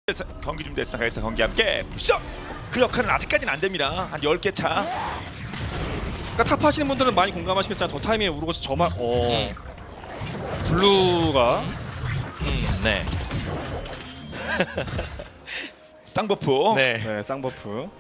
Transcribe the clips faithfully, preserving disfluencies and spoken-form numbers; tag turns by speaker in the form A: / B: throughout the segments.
A: 경기 준비됐습니다. 가겠습니다. 경기 함께 부셔! 그 역할은 아직까지는 안 됩니다. 한 열 개 차.
B: 그러니까 탑 하시는 분들은 많이 공감하시겠지만 저 타이밍에 우르고서 저만 어
C: 음.
B: 블루가
C: 음, 네.
A: 쌍버프.
C: 네.
B: 네 쌍버프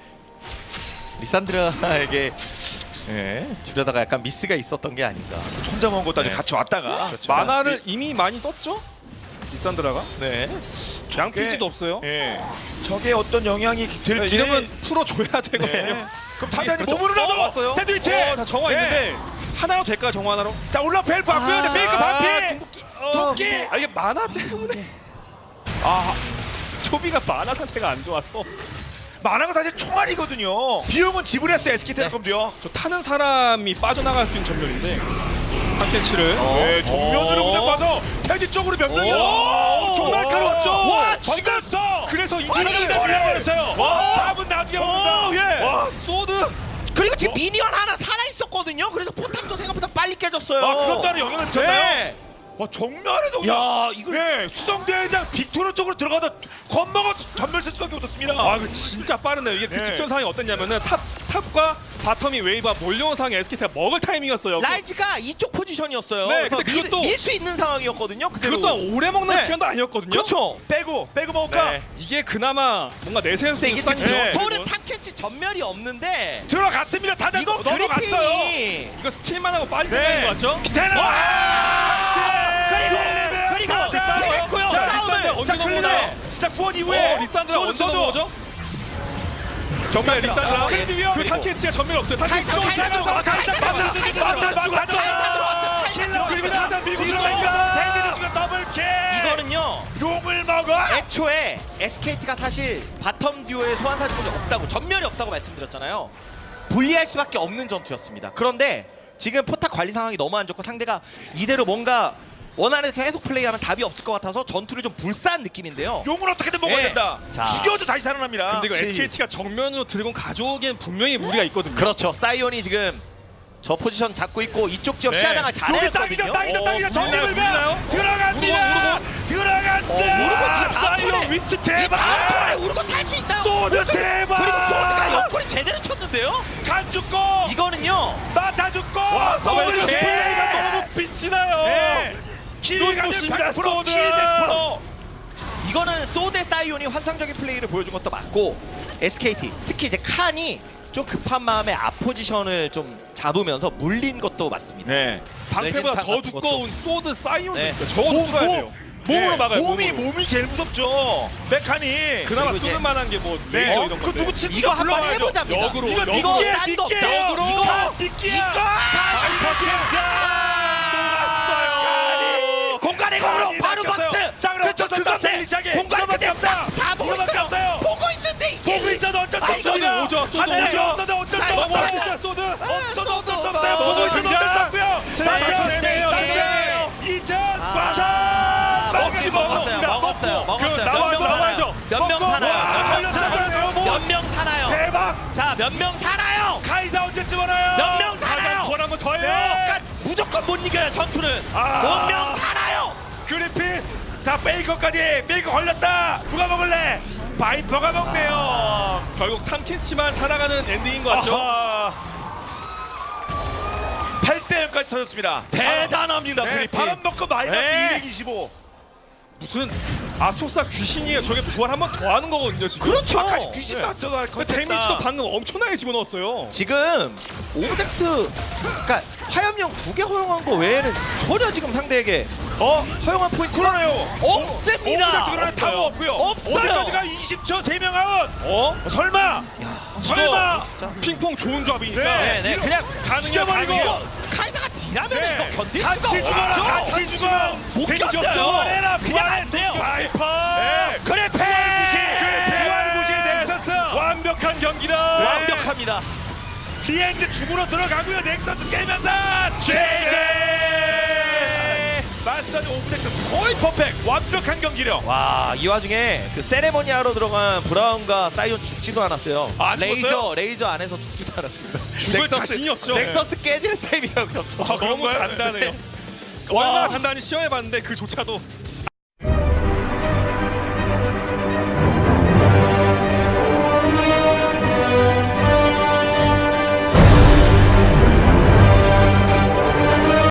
C: 리산드라에게 네, 주려다가 약간 미스가 있었던 게 아닌가.
A: 혼자 먹은 것도 아니고
C: 네.
A: 같이 왔다가
C: 그렇죠.
B: 만화를 이미 많이 썼죠? 리산드라가
C: 네.
B: 양피지도 없어요.
A: 예. 저게 어떤 영향이 될지
B: 이러면 풀어줘야 되거든요.
A: 네. 그럼 타자니
B: 그렇죠.
A: 몸으로
B: 어,
A: 나도
B: 왔어요.
A: 샌드위치.
B: 어, 다 정화
A: 네.
B: 있는데 하나로 될까 정화 하나로?
A: 자 올라 벨 바꾸야
C: 아,
A: 돼. 페이크 반피.
B: 궁극기.
A: 도끼.
B: 아 이게 만화 때문에
A: 아
B: 초비가 만화 상태가 안 좋아서
A: 만화가 사실 총알이거든요. 비용은 지불했어요. 에스케이텔레콤도요.
B: 저 타는 사람이 빠져나갈 수 있는 전멸인데 탑캐치를
A: 네, 정면으로
B: 어.
A: 그냥 봐서 테디 쪽으로 몇 명이요. 엄청 날카로웠죠.
B: 와,
A: 지금
B: 그래서 이
A: 이기다 밀려버렸어요. 답은 나중에 옵니다.
C: 예.
A: 와,
B: 소드
C: 그리고 지금 미니언 하나 살아 있었거든요. 그래서 포탑도 생각보다 빨리 깨졌어요.
A: 아, 그런 따른 영향을 미쳤나요?
C: 네.
A: 와, 정면에도
C: 야, 이걸
A: 네, 수성대장 빅토르 쪽으로 들어가다 건너가 전멸 쓸 수밖에 없었습니다.
B: 아 이거 진짜 빠르네요. 이게 그
A: 네.
B: 직전 상황이 어땠냐면은 탑 탑과 바텀이 웨이브가 몰려온 상황에 에스케이티가 먹을 타이밍이었어요.
C: 라이즈가 이쪽 포지션이었어요.
B: 네, 근데
C: 그래서
B: 그것도-
C: 밀 수 있는 상황이었거든요. 그대로.
B: 그것도 오래 먹는
C: 네.
B: 시간도 아니었거든요.
C: 그렇죠.
A: 빼고 빼고 먹을까?
C: 네.
B: 이게 그나마 뭔가 내세울 수
C: 근데 이게
B: 있는
C: 지금
A: 네.
C: 토르 탑캐치 전멸이 없는데
A: 들어갔습니다. 다들
C: 이거
A: 넘어갔어요.
C: 그리핀이
B: 이거 스틸만 하고 빨리
A: 네.
B: 생각인 것 같죠?
A: 테나.
C: 그리고 그리고 했고요.
A: 자,
C: 싸움을.
A: 리산드
B: 언제
A: 자, 클리너.
B: 넘어오네.
A: 자, 구원 이후에
B: 어, 리산드라 언제
A: 소드,
B: 넘어오죠? 정말 리산드라.
C: 아,
A: 크레드 위험.
B: 그 탑캐치가 전멸 없어요. 탑캐치
C: 카이사,
B: 좀
C: 카이사
B: 잘하고
C: 들어가,
B: 가자.
C: 카이사 들어가, 카이사 들어가,
A: 맞다, 맞다,
C: 카이사 들어갔어, 카이사
A: 킬러 그리고
C: 들어갔어.
A: 타자 밀고
C: 뒤로
A: 들어가니까 탱디는 지금 더블킬.
C: 이거는요.
A: 용을 먹어.
C: 애초에 에스케이티가 사실 바텀 듀오의 소환사 적이 없다고 전멸이 없다고 말씀드렸잖아요. 불리할 수밖에 없는 전투였습니다. 그런데 지금 포탑 관리 상황이 너무 안 좋고 상대가 이대로 뭔가 원하는 계속 플레이하면 답이 없을 것 같아서 전투를 좀 불사한 느낌인데요.
A: 용을 어떻게든 먹어야
C: 네.
A: 된다.
C: 자.
A: 죽여도 다시 살아납니다.
B: 근데 이거
C: 그치.
B: 에스케이티가 정면으로 드래곤 가져오기엔 분명히 무리가 있거든요.
C: 그렇죠. 사이온이 지금 저 포지션 잡고 있고 이쪽 지역 시야장을 잘
A: 여기
C: 했거든요.
A: 땅이죠, 땅이죠,
B: 어,
A: 땅이죠. 정집을
B: 물리나요?
A: 가. 들어갑니다. 들어간다.
C: 어, 우르고 이
A: 사이온
C: 다음
A: 위치
C: 이 다음
A: 대박.
C: 턴에 우르고 탈 수 있다.
A: 소드 대박.
C: 그리고 소드가 옆구리 제대로 쳤는데요.
A: 간 죽고
C: 이거는요.
A: 마타 죽고.
B: 와,
A: 소드
B: 이렇게
A: 플레이가 너무
B: 너무 빛이 나요.
A: 네. 킬가
B: 눈부십니다, 소드.
A: 킬 백 퍼센트.
C: 이거는 소대 사이온이 환상적인 플레이를 보여준 것도 맞고 에스케이티 특히 이제 칸이 좀 급한 마음에 앞 포지션을 좀 잡으면서 물린 것도 맞습니다.
A: 네.
B: 방패보다
C: 레진탕
B: 더
C: 같은
B: 두꺼운 소드 사이온도
C: 네.
B: 있어요. 저거
A: 몸,
B: 뚫어야
A: 몸.
B: 돼요. 몸으로
A: 네.
B: 막아요.
A: 몸이
B: 몸으로.
A: 몸이 제일 무섭죠. 메카니.
B: 그나마
C: 그리고 이제-
B: 뚫을 만한 게뭐
A: 네.
B: 레이저
A: 어,
B: 이런
A: 그
B: 건데.
A: 누구 침
C: 이거 한번 해보자입니다.
B: 역으로,
C: 이거
B: 역으로.
C: 이거
A: 미끼야,
C: 딴도 없다.
A: 미끼예요.
C: 이거
A: 이거 미끼야. 녹았어요.
C: 공간의 공으로 바로 버스트.
A: 자, 그럼
C: 그렇죠.
A: 어쩌서
C: 그것에
A: 텔리시하게.
C: 공간이
A: 이거밖에
C: 그때
A: 없다.
C: 다 보고
A: 이거밖에
C: 있어요.
A: 없어요.
C: 보고 있는데 이게
A: 보고 있어도 어쩔 수
C: 아,
A: 없어요.
C: 이거는
B: 오죠. 소드
A: 하늘이
B: 오죠.
A: 없어도 어쩔 수
C: 자,
A: 없어요.
C: 이거
A: 있어요, 소드. 없어도 어쩔 수 없어요.
C: 없어요.
A: 보고 있어도
B: 진짜.
A: 어쩔 수 없고요.
B: 자,
A: 자,
B: 내네요,
A: 자, 이천
C: 아,
A: 사
C: 먹긴 먹었어요. 먹었어요. 먹었어요.
B: 그 나와야죠, 나와야죠.
C: 몇 명
A: 먹고.
C: 사나요?
A: 와,
C: 몇 명
A: 살려주세요, 뭐.
C: 사나요? 몇 명 사나요?
A: 대박.
C: 자, 몇 명 사나요?
A: 카이사 언제쯤 오나요?
C: 몇 명 살아요?
B: 권 한번 더 해요.
A: 네.
C: 그러니까 무조건 못 이겨요. 전투는.
A: 아.
C: 몇 명 살아요?
A: 그리핀. 자, 베이커까지. 베이커 걸렸다. 누가 먹을래? 바이퍼가 먹네요.
B: 결국 탐켄치만 살아가는 엔딩인 것 같죠?
A: 팔 대 영까지 터졌습니다.
C: 대단합니다.
A: 네,
C: 그리핀.
A: 바람 먹고 마이너스
C: 네.
A: 이백이십오.
B: 무슨 아속사 귀신이에요. 저게 부활 한 번 더 하는 거거든요. 지금.
C: 그렇죠.
A: 아까 귀신
C: 네.
A: 맞춰서 할
B: 근데 데미지도 방금 엄청나게 집어넣었어요.
C: 지금 오브젝트, 그러니까 화염령 두 개 허용한 거 외에는 전혀 지금 상대에게
A: 어?
C: 허용한 포인트
A: 그러네요.
C: 없습니다.
A: 오브젝트 타고 없고요.
C: 없어요.
A: 어디까지가 이십 초 세 명 아웃.
B: 어?
A: 설마. 설마.
B: 핑퐁 좋은 조합이니까.
A: 네.
C: 네, 네, 그냥
B: 가능해요,
A: 죽여버리고.
B: 가능해요.
C: 카이사가 딜하면
A: 네.
C: 이거 견딜
A: 같이
C: 수가
A: 죽어라.
C: 없죠.
A: 같이 죽어.
C: 못
A: 데미지
C: 견뎌요.
A: 없죠. 해라.
C: 그냥 안 돼요.
A: 바이퍼. 네.
C: 그래, 패!
A: 부활 무시에 대해서
B: 완벽한 경기다.
C: 완벽합니다.
A: 리엔즈 죽으러 들어가고요. 넥서스 깨면서 제제. 마사지 오브젝트 거의 퍼펙트. 완벽한 경기력.
C: 와, 이 와중에 그 세레머니 하러 들어간 브라운과 사이온 죽지도 않았어요.
A: 아, 안
C: 레이저,
A: 죽었어요?
C: 레이저 안에서 죽지도 않았습니다.
B: 죽을 자신이 없죠.
C: 넥서스 깨질 타임이라고 그렇죠.
B: 아, 너무
A: 그런가요?
B: 단단해요. 얼마나 단단히 시험해봤는데 그조차도